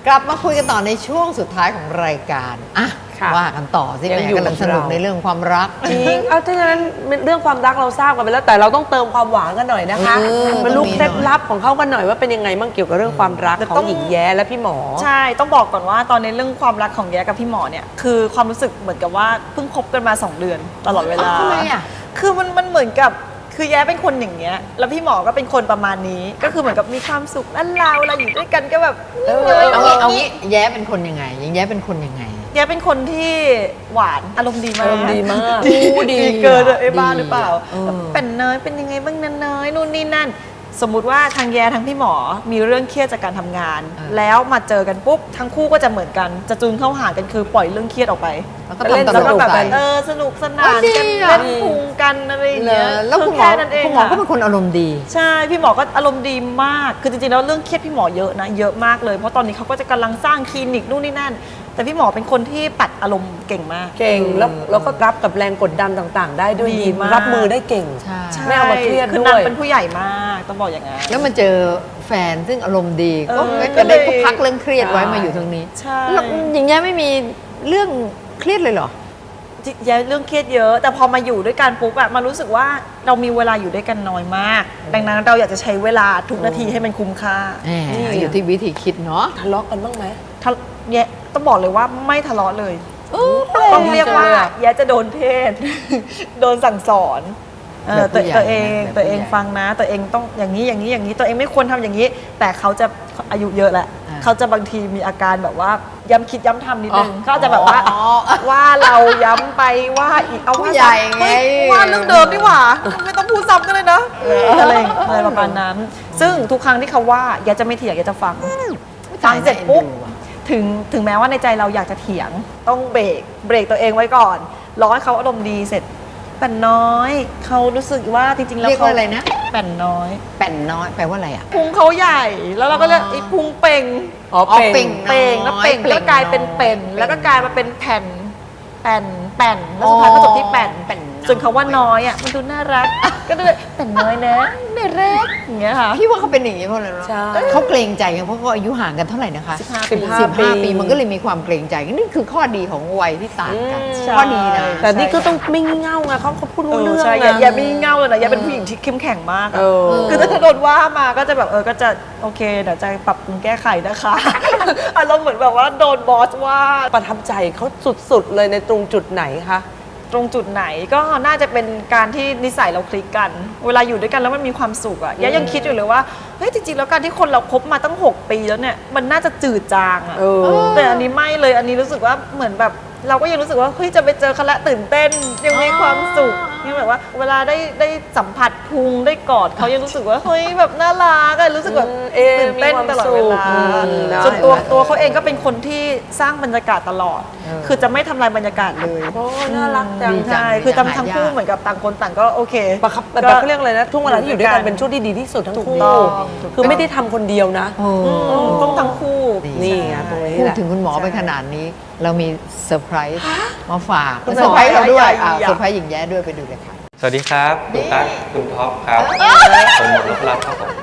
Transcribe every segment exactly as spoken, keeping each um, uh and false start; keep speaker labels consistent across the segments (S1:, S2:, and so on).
S1: กลับมาคุยกันต่อในช่วงสุดท้ายของรายการอ่ะว่ากันต่อสิแม่กำลังสนุกในเรื่องความรัก
S2: จริงเอาถ้าอย่างนั้นเรื่องความรักเราทราบกันไปแล้วแต่เราต้องเติมความหวานกันหน่อยนะคะมาลูกเคล็ดลับของเขากันหน่อยว่าเป็นยังไงบ้างเกี่ยวกับเรื่องความรักของหญิงแย้และพี่หมอ
S3: ใช่ต้องบอกก่อนว่าตอนในเรื่องความรักของแย้กับพี่หมอเนี่ยคือความรู้สึกเหมือนกับว่าเพิ่งคบกันมาสองเดือนตลอดเวลา
S1: ทำไมอ่ะ
S3: คือมันมันเหมือนกับคือแย้เป็นคนอย่างเงี้ยแล้วพี่หมอก็เป็นคนประมาณนี้ก็คือเหมือนกับมีความสุขนั่นเราเวลาอยู่ด้วยกันก็แบบ
S1: เอางี้เอางี้แย้เป็นคนยังไงยังแย้เป็นคนยังไง
S3: แย้เป็นคนที่หวานอารมณ์ดีมาก
S2: อารมณ์ดีมาก
S3: ดีเกินไอ้บ้าหรือเปล่าเป็นเนยเป็นยังไงบ้างเนยนู่นนี่นั่นสมมุติว่าทางแย้ทั้งพี่หมอมีเรื่องเครียดจากการทำงานแล้วมาเจอกันปุ๊บทั้งคู่ก็จะเหมือนกันจะจูนเข้าหากันคือปล่อยเรื่องเครียดออกไป
S1: แล้วก็เล่นแล้ว
S3: ก็แบบเออสนุกสนานกันเล่นพุงกันอะไรอย่างเงี้ย
S1: แล้วคุณหมอคุณหมอก็เป็นคนอารมณ์ดี
S3: ใช่พี่หมอก็อารมณ์ดีมากคือจริงๆแล้วเรื่องเครียดพี่หมอเยอะนะเยอะมากเลยเพราะตอนนี้เขาก็จะกำลังสร้างคลินิกนู่นนี่นั่นแต่พี่หมอเป็นคนที่ปัดอารมณ์เก่งมาก
S2: เก่งแล้วแล้วก็รับกับแรงกดดันต่างๆได้ด้วยดีรับมือได้เก่งไม่เอามาเครียดด้วย
S3: คือนางเป็นผู้ใหญ่มากต้องบอกอย่างนั้น
S1: แล้วมาเจอแฟนซึ่งอารมณ์ดีก็ได้พักเรื่องเครียดไว้มาอยู่ตรงนี้
S3: ใช่
S1: อย่างเงี้ยไม่มีเรื่องเครียดเลยเหรอ
S3: แย่เรื่องเครียดเยอะแต่พอมาอยู่ด้วยกันปุ๊บอะมารู้สึกว่าเรามีเวลาอยู่ด้วยกันน้อยมากดังนั้นเราอยากจะใช้เวลาทุกนาทีให้มันคุ้มค่า
S1: อยู่ที่วิธีคิดเนาะ
S2: ทะเลาะกันบ้างไหม
S3: แย่ต้องบอกเลยว่าไม่ทะเลาะเลยต้องเรียกว่าแย่จะโดนเทศโดนสั่งสอนตัวตัวเองตัวเองฟังนะตัวเองต้องอย่างนี้อย่างนี้อย่างนี้ตัวเองไม่ควรทำอย่างนี้แต่เขาจะอายุเยอะแล้วเขาจะบางทีมีอาการแบบว่าย้ำคิดย้ำทำนิดนึงเขาจะแบบว่าว่าเราย้ำไปว่าอีกเอาว่า
S1: ใหญ่ไง
S3: ว่าเรื่องเดิมดีกว่าไม่ต้องพูดซ้ำกันเลยนะอะไรอะไรประมาณนั้นซึ่งทุกครั้งที่เขาว่าแกจะไม่เถียงแกจะฟังฟังเสร็จปุ๊บถึงถึงแม้ว่าในใจเราอยากจะเถียงต้องเบรกเบรกตัวเองไว้ก่อนรอให้เขาอารมณ์ดีเสร็จแป่นน้อยเขารู้สึกว่าจริงๆแล้ว
S1: เขาอะไรนะ
S3: แป่นน้อย
S1: แป่นน้อยแปลว่าอะไรอ่ะ
S3: พุงเขาใหญ่แล้วเราก็เรียกไอ้พุงเป่ง
S1: อ๋อเป่ง
S3: เป่งแล้วเป่งก็กลายเป็นเป็นแล้วก็กลายมาเป็นแผ่นแป่นแป่นแล้วสุดท้ายก็จบที่แป่นส่วนคำว่าน้อยอ่ะมันดูน่ารักก็เลยแป่นน้อยนะน่ารักอย่างเงี้ยค่ะ
S1: พี่ว่าเขาเป็นอย่างนี้เพราะอะไรเขาเกรงใจกันเพราะเขาอายุห่างกันเท่าไหร่นะคะ
S3: สิบห้า
S1: ปีมันก็เลยมีความเกรงใจนี่คือข้อดีของวัยที่ต่างกันข้อดีนะ
S2: แต่นี่ก็ต้องไม่เง่าไงเขาเขาพูดรู้เรื่อง
S3: นะอย่าไม่เง่าเลยนะอย่าเป็นผู้หญิงที่เข้มแข็งมากคือถ้าโดนว่ามาก็จะแบบเออก็จะโอเคเดี๋ยวจะปรับปรุงแก้ไขนะคะอารมณ์เหมือนแบบว่าโดนบอสว่า
S2: ประทับใจเขาสุดๆเลยในตรงจุดไหนคะ
S3: ตรงจุดไหนก็น่าจะเป็นการที่นิสัยเราคลิกกันเวลาอยู่ด้วยกันแล้วมันมีความสุขอะยะยังคิดอยู่เลยว่าเฮ้ยจริงๆแล้วการที่คนเราคบมาตั้งหกปีแล้วเนี่ยมันน่าจะจืดจางอะแต่อันนี้ไม่เลยอันนี้รู้สึกว่าเหมือนแบบเราก็ยังรู้สึกว่าเฮ้ยจะไปเจอเขาละตื่นเต้นยังมีความสุขยังแบบว่าเวลาได้ได้สัมผัสพุงได้กอดเขายังรู้สึกว่าเฮ้ยแบบน่ารักอะรู้สึกแบบตื่นเต้นตลอดเวลาส่วนตัวตัวเขาเองก็เป็นคนที่สร้างบรรยากาศตลอดคือจะไม่ทำลายบรรยากาศเลย
S2: โอ้น่ารักจัง
S3: ใช่คือทำทั้งคู่เหมือนกับต่างคนต่างก็โอเค
S2: ประคับแต่เขาเรียกอะไรนะช่วงเวลาที่อยู่ด้วยกันเป็นช่วงที่ดีที่สุดทั้งคู่คือไม่ได้ทำคนเดียวนะ
S3: ต้องทั้งคู่
S2: นี่ไงตรงนี้
S1: พูดถึงคุณหมอไปขนาดนี้เรามีเซอร์ไพรส์มาฝากเซอร์ไพรส์เราด้วยเซอร์ไพรส์หญิงแย้ด้วยไปดูเลยค่ะ
S4: สวัสดีครับคุณตั๊กคุณท็อปครับผมหมดรับครับผม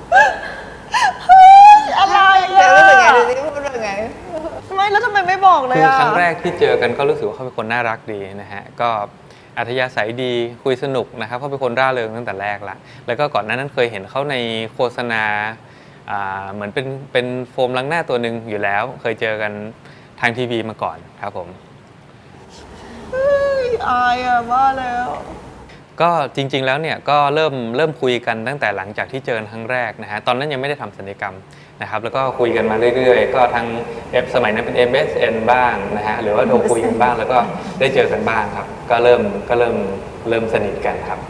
S3: อะไร
S1: อะรู้สึกไงดูสิพูดว่าไง
S3: ไม่แล้วทำไมไม่บอกเลย
S4: คือครั้งแรกที่เจอกันก็รู้สึกว่าเขาเป็นคนน่ารักดีนะฮะก็อัธยาศัยดีคุยสนุกนะครับเขาเป็นคนร่าเริงตั้งแต่แรกละแล้วก็ก่อนหน้านั้นเคยเห็นเขาในโฆษณาเหมือนเป็นเป็นโฟมล้างหน้าตัวหนึ่งอยู่แล้วเคยเจอกันทางทีวีมาก่อนครับผม
S3: อายอะว่าแล้ว
S4: ก็จริงๆแล้วเนี่ยก็เริ่มเริ่มคุยกันตั้งแต่หลังจากที่เจอครั้งแรกนะฮะตอนนั้นยังไม่ได้ทำศัลยกรรมนะครับแล้วก็คุยกันมาเรื่อยๆก็ทางเอฟสมัยนั้นเป็น เอ็ม เอส เอ็น บ้างนะฮะหรือว่าโทรคุยกันบ้างแล้วก็ได้เจอกันบ้างครับก็เริ่มก็เริ่มเริ่มสนิทกันครับ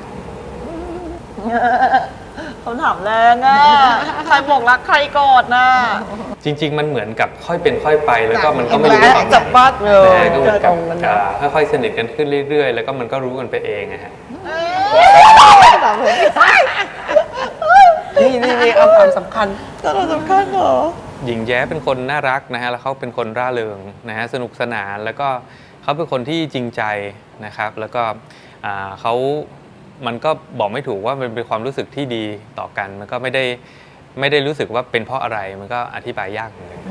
S3: เขาถามแรงอ่ะใครบอกรักใครกอดนะ
S4: จริงๆมันเหมือนกับค่อยเป็นค่อยไปแล้วก็มันก็ไม่รู้ว่า
S3: จับบ้าน
S4: เลยก็เหมือนกับค่อยๆสนิทกันขึ้นเรื่อยๆแล้วก็มันก็รู้กันไปเองนะฮะ
S2: นี่นี่นี่เอาความสำคัญ
S3: ตอนสำคัญเหรอ
S4: หญิงแย้เป็นคนน่ารักนะฮะแล้วเขาเป็นคนร่าเริงนะฮะสนุกสนานแล้วก็เขาเป็นคนที่จริงใจนะครับแล้วก็เขามันก็บอกไม่ถูกว่ามันเป็นความรู้สึกที่ดีต่อกันมันก็ไม่ได้ไม่ได้รู้สึกว่าเป็นเพราะอะไรมันก็อธิบายยากเหมือนกัน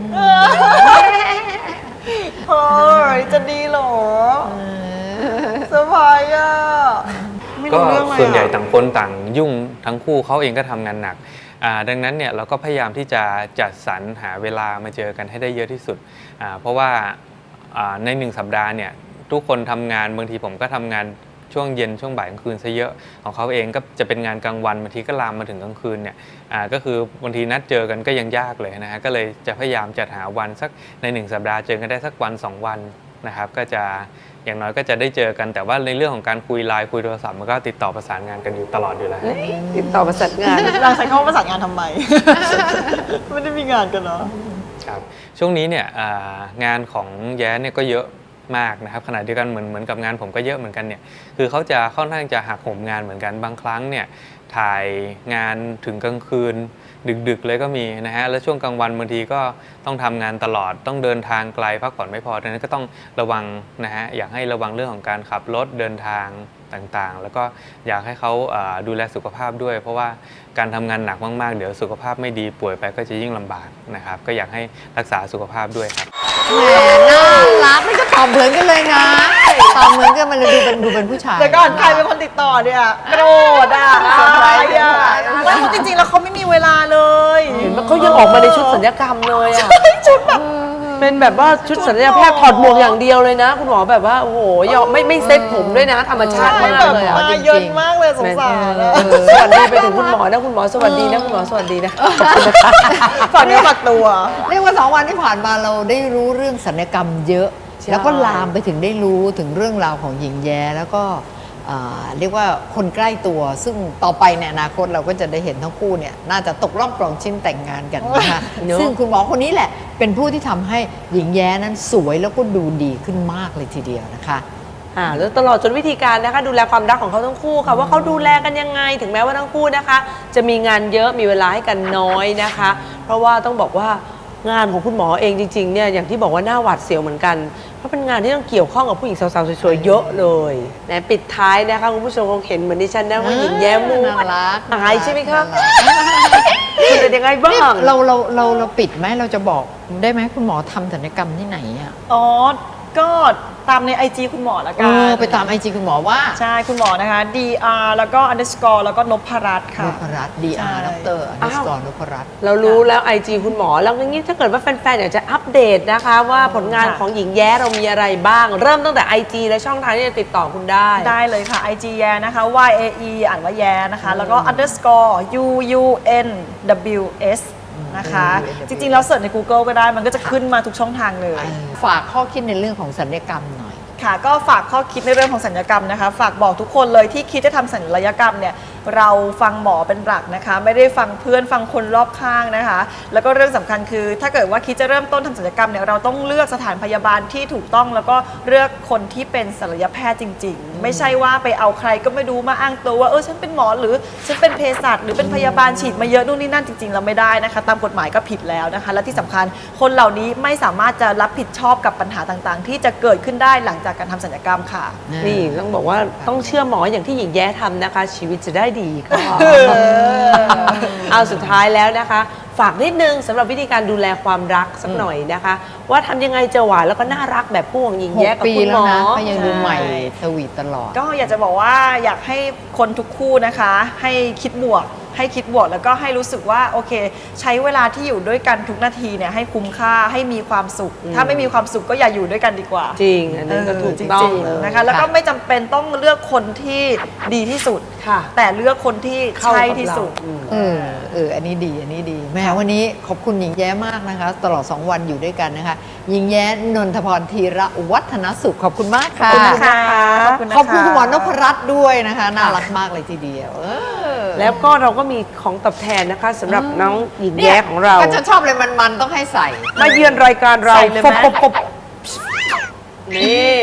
S3: เฮ้ยจะดีเหรอสบายอ่ะไม่
S4: ก็
S3: รู้เรื่องเลย
S4: ส่วนใหญ่
S3: อ่ะ
S4: ต่างคนต่างยุ่งทั้งคู่เขาเองก็ทำงานหนักอ่าดังนั้นเนี่ยเราก็พยายามที่จะจัดสรรหาเวลามาเจอกันให้ได้เยอะที่สุดอ่าเพราะว่าอ่าในหนึ่งสัปดาห์เนี่ยทุกคนทำงานบางทีผมก็ทำงานช่วงเย็นช่วงบ่ายกลางคืนซะเยอะของเขาเองก็จะเป็นงานกลางวันบางทีก็ลามมาถึงกลางคืนเนี่ยอ่าก็คือบางทีนัดเจอกันก็ยังยากเลยนะฮะก็เลยจะพยายามจัดหาวันสักในหนึ่งสัปดาห์เจอกันได้สักวันสองวันนะครับก็จะอย่างน้อยก็จะได้เจอกันแต่ว่าในเรื่องของการคุยไลน์คุยโทรศัพท์มันก็ติดต่อประสานงานกันอยู่ตลอดอยู่แล้ว
S2: ติดต่อประสานงาน
S3: เราใช้คำว่าประสานงานทำไม ไม่ได้มีงานกันเนาะ
S4: ครับช่วงนี้เนี่ยอ่างานของแย้เนี่ยก็เยอะมากนะครับขณะเดียวกันเหมือนเหมือนกับงานผมก็เยอะเหมือนกันเนี่ยคือเขาจะค่อนข้างจะหักโหมงานเหมือนกันบางครั้งเนี่ยถ่ายงานถึงกลางคืนดึกๆเลยก็มีนะฮะแล้วช่วงกลางวันบางทีก็ต้องทำงานตลอดต้องเดินทางไกลพักผ่อนไม่พอดังนั้นก็ต้องระวังนะฮะอยากให้ระวังเรื่องของการขับรถเดินทางต่างๆ แล้วก็อยากให้เขาอ่าดูแลสุขภาพด้วย เพราะว่าการทำงานหนักมากๆเดี๋ยวสุขภาพไม่ดีป่วยไปก็จะยิ่งลำบากนะครับก็อยากให้รักษาสุขภาพด้วยครับ
S1: แหมน่ารักไม่ก็ตอบเหมือนกันเลยนะตอบเหมือนกันมันเลยดูเป็นดูเป็นผู้ชาย
S3: แต่ก่อนใครเป็นคนติดต่อเนี่ยโกรธอ่ะเซอร์ไพรส์อ่ะไม่เพราะจริงๆแล้วเขาไม่มีเวลาเลย
S2: เห็นไหมเขายังออกมาในชุดสัญญกรรมเลยอ่ะ
S3: ชุดแบบ
S2: เป็นแบบว่าชุดศัลยแพทย์ถอดหมวกอย่างเดียวเลยนะ คุณหมอแบบว่าโอ้โหยอมไม่ไม่เซ็ตผมด้วยนะ ธรรมชาติ
S3: ใช่
S2: มาก
S3: แบบ
S2: เลยอะ
S3: มาเยินมากเลยสงสารอะ
S2: เออสวัสดีไปถึงคุณหมอนะคุณหมอสวัสดีนะคุณหมอสวัสดีนะขอบคุณนะคะ
S3: ฝากเนื้อฝากตัว
S1: เรียกว่าสองวันที่ผ่านมาเราได้รู้เรื่องศัลยกรรมเยอะ
S2: ใช่
S1: แล้วก็ลามไปถึงได้รู้ถึงเรื่องราวของหญิงแย้แล้วก็อ่าเรียกว่าคนใกล้ตัว ซึ่งต่อไปในอนาคตเราก็จะได้เห็นทั้งคู่เนี่ยน่าจะตกรอบกรองชิ้นแต่งงานกันนะคะ
S2: เนอะ
S1: ซึ่งคุณหมอคนนี้แหละเป็นผู้ที่ทำให้หญิงแย้นั้นสวยแล้วก็ดูดีขึ้นมากเลยทีเดียวนะคะ
S2: อ่าแล้วตลอดจนวิธีการนะคะดูแลความรักของเขาทั้งคู่ค่ะว่าเขาดูแลกันยังไงถึงแม้ว่าทั้งคู่นะคะ จะมีงานเยอะมีเวลาให้กันน้อยนะคะ เพราะว่าต้องบอกว่างานของคุณหมอเองจริงๆเนี่ยอย่างที่บอกว่าหน้าหวาดเสียวเหมือนกันเพราะเป็นงานที่ต้องเกี่ยวข้องกับผู้หญิงสาวๆสวยๆเยอะเลยนะปิดท้ายนะคะคุณผู้ชมคงเห็นเหมือนดิฉันนะว่าหญิงแย้มมุก
S1: น่ารัก
S2: อายใช่ไหมคะ
S1: น่ารัก
S2: คุณเป็นยังไงบ้า
S1: นี่
S2: ง
S1: เราเราเราเราปิดไหมเราจะบอกได้ไหมคุณหมอทำศัลยกรรมที่ไหนอ่ะ
S3: อ๋อ ก็ตามใน ไอ จี คุณหมอละ
S1: เอ
S3: กัน
S1: อไปตามไอจีคุณหมอว่า
S3: ใช่ คุณหมอนะคะ ดี อาร์ แล้วก็ underscore แล้วก็นพรัตน์
S1: น
S3: ค่ะ
S1: พรัตน์ดีอาร์
S3: ใช่
S1: ดรอนุสกรนพรัตน์
S2: เรารู้แล้ว ไอ จี คุณหมอแล้วอย่างนี้ถ้าเกิดว่าแฟนๆอยากจะอัปเดตนะคะว่าผลงาน
S3: ค่ะ
S2: ของหญิงแย้เรามีอะไรบ้าง เริ่มตั้งแต่ ไอ จี และช่องทางที่จะติดต่อคุณได้
S3: ได้เลยค่ะ ไอ จี แยนะคะ Y A E อ่านว่าแยนะคะ แล้วก็ underscore U U N W S นะคะ จริงๆ แล้วเสิร์ชใน Google ก็ได้ มันก็จะขึ้นมาทุกช่องทางเลย
S1: ฝากข้อคิดในเรื่องของศัลยกรรมหน่อย
S3: ค่ะก็ฝากข้อคิดในเรื่องของศัลยกรรมนะคะฝากบอกทุกคนเลยที่คิดจะทำศัลยกรรมเนี่ยเราฟังหมอเป็นหลักนะคะไม่ได้ฟังเพื่อนฟังคนรอบข้างนะคะแล้วก็เรื่องสำคัญคือ ถ้าเกิดว่าคิดจะเริ่มต้นทำศัลยกรรมเนี่ยเราต้องเลือกสถานพยาบาลที่ถูกต้องแล้วก็เลือกคนที่เป็นศัลยแพทย์จริง ๆ ไม่ใช่ว่าไปเอาใครก็ไม่รู้มาอ้างตัวว่าเออฉันเป็นหมอหรือฉันเป็นเภสัชหรือเป็นพยาบาลฉีดมาเยอะนู่นนี่นั่นจริงๆเราไม่ได้นะคะตามกฎหมายก็ผิดแล้วนะคะและที่สำคัญคนเหล่านี้ไม่สามารถจะรับผิดชอบกับปัญหาต่างๆ ที่จะเกิดขึ้นได้หลังจากการทำศัลยกรรมค่ะ
S2: นี่ต้องบอกว่าต้องเชื่อหมออย่างที่หญิงแย้ทำนะคะ ชีวิตจะได้ดีค่ะเอาสุดท้ายแล้วนะคะ ฝากนิดนึงสำหรับวิธีการดูแลความรักสักหน่อยนะคะ ว่าทำยังไงจะหวานแล้วก็น่ารักแบบผู้ของหญิง
S1: ห
S2: แย้
S1: ก
S2: กับ
S1: ปี
S2: คุณห
S1: แล้
S2: ม
S1: ว
S2: อ
S1: นะก็ยังดูใหม่
S3: ใช่
S1: สวีทตลอด
S3: ก็อยากจะบอกว่าอยากให้คนทุกคู่นะคะ ให้คิดบวก ให้คิดบวกแล้วก็ให้รู้สึกว่าโอเค ใช้เวลาที่อยู่ด้วยกันทุกนาทีเนี่ยให้คุ้มค่าให้มีความสุข ถ้าไม่มีความสุขก็อย่าอยู่ด้วยกันดีกว่า
S2: จริงอันนั้นก็ถูกต้อง
S3: จริง
S2: เลย
S3: ๆนะคะแล้วก็ไม่จำเป็นต้องเลือกคนที่ดีที่สุด
S2: ค่ะ
S3: แต่เลือกคนที่
S2: เข้า
S3: ใช่
S2: กับ
S3: ที่
S2: เรา
S3: สุด
S2: อืม
S1: เออเอออันนี้ดีอันนี้ดีแหม่วันนี้ขอบคุณหญิงแย้มากนะคะ ตลอดสองวันอยู่ด้วยกันนะคะหญิงแย้นนทพรธีระวัฒนสุขขอบคุณมากค่ะ
S3: ขอบคุณค่ะขอบคุณนะคะ
S1: ขอบคุณคุณหมอนพรัตน์ด้วยนะคะน่ารักมากเลยทีเดียวเออ
S2: แล้วก็เราก็มีของตอบแทนนะคะสำหรับน้องหญิงแย้ของเรา
S1: ก็จะชอบเลยมันๆต้องให้ใส่
S2: มาเยือนรายการเรา
S3: ใส่เลยไหม
S2: ปบปบนี่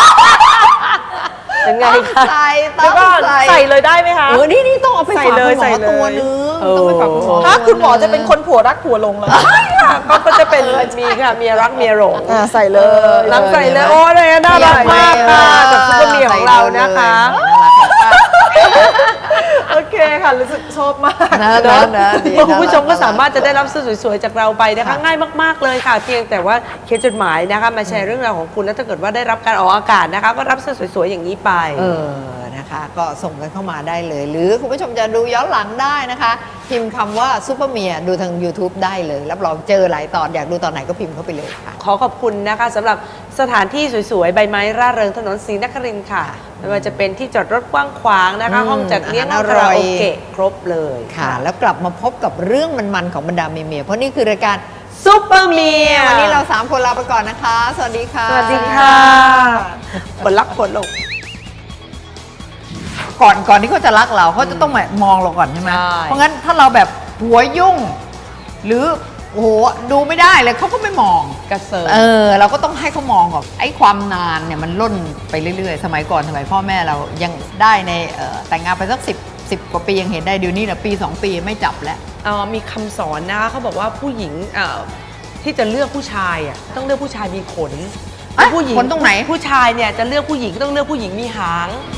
S2: เป็นไงคะ
S1: ใส่ต้
S3: เดี๋
S1: อ
S3: ยว
S1: ง
S3: ก็
S1: ใส่
S3: ใส่เลยได้ไหมคะ
S1: เออนี่นี่ต้องเอาไป
S3: ใส่
S1: ฝาก
S3: เล
S1: คุ
S3: ย
S1: ณหม
S3: ใส่
S1: อ
S3: เลย
S1: ตัวนึง
S2: เออ
S1: ต้องไปฝากคุณหมอ
S3: ถ้า
S1: ตัว
S3: คุณหมอจะ
S1: ง
S3: เป็นคนผัวรักผัวหลงเหรอ
S2: ก็ก็จะเป็นมีค่ะเมียรักเมียหลง
S3: อ่าใส่เลย
S2: น้ำใส่เลยโอ้ยน่ารักมากค่ะจากซุปเปอร์เมียของเรานะคะ
S1: น่ารักมาก
S3: โอเคค่ะ รู้สึกชอบมาก
S1: นะนะนะดีนะ
S2: คุณผู้ชมก็สามารถจะได้รับเสื้อสวยๆจากเราไปนะคะง่ายมากๆเลยค่ะ เพียงแต่ว่าเขียนจดหมายนะคะมาแชร์เรื่องราวของคุณแล้วถ้าเกิดว่าได้รับการออกอากาศนะคะ ก็รับเสื้อสวยๆอย่างนี้ไป
S1: เออ นะคะ ก็ส่งกันเข้ามาได้เลย หรือคุณผู้ชมจะดูย้อนหลังได้นะคะ พิมพ์คำว่าซูเปอร์เมียดูทาง YouTube ได้เลย รับรองเจอหลายตอน อยากดูตอนไหนก็พิมพ์เข้าไปเลยค่ะ
S2: ขอขอบคุณนะคะสำหรับสถานที่สวยๆ ใบไม้ร่าเริงถนนศรีนครินทร์ค่ะ ไม่ว่าจะเป็นที่จอดรถกว้างขวางนะคะ
S1: อืม
S2: ห้องจัดเลี้ยง
S1: อาหาร
S2: ห้องคารา
S1: อร่อย
S2: โอเกะครบเลย
S1: ค่ะ แล้วกลับมาพบกับเรื่องมันๆของบรรดาเมียๆเพราะนี่คือรายการ
S2: ซุปเปอร์เมีย
S1: วันนี้เราสามคนลาไปก่อนนะคะ สวัสดีค่ะ
S2: สวัสดีค่ะปวดรักปวดลง
S1: ก่อนก่อนที่เขาจะรักเราเขาจะต้องมามองเราก่อนใช่ไหม
S2: ใช่
S1: เพราะงั้นถ้าเราแบบหัวยุ่ง หรือโอ้โหดูไม่ได้เลยเขาก็ไม่มอง
S2: กระเซิร์
S1: เออเราก็ต้องให้เขามองก่อนไอ้ความนานเนี่ยมันล่นไปเรื่อยๆ สมัยก่อนสมัยพ่อแม่เรายังได้ในเอ่อแต่งงานไปสักสิบสิบกว่าปียังเห็นได้เดี๋ยวนี้นะปีสองปีไม่จับแล้ว
S2: เอ่อมีคำสอนนะคะเขาบอกว่าผู้หญิงเอ่อที่จะเลือกผู้ชายอ่ะต้องเลือกผู้ชายมีขน
S1: อ่ะ
S2: ผู้หญิง
S1: ขนตรงไหน
S2: ผู้ชายเนี่ยจะเลือกผู้หญิงก็ต้องเลือกผู้หญิงมีหาง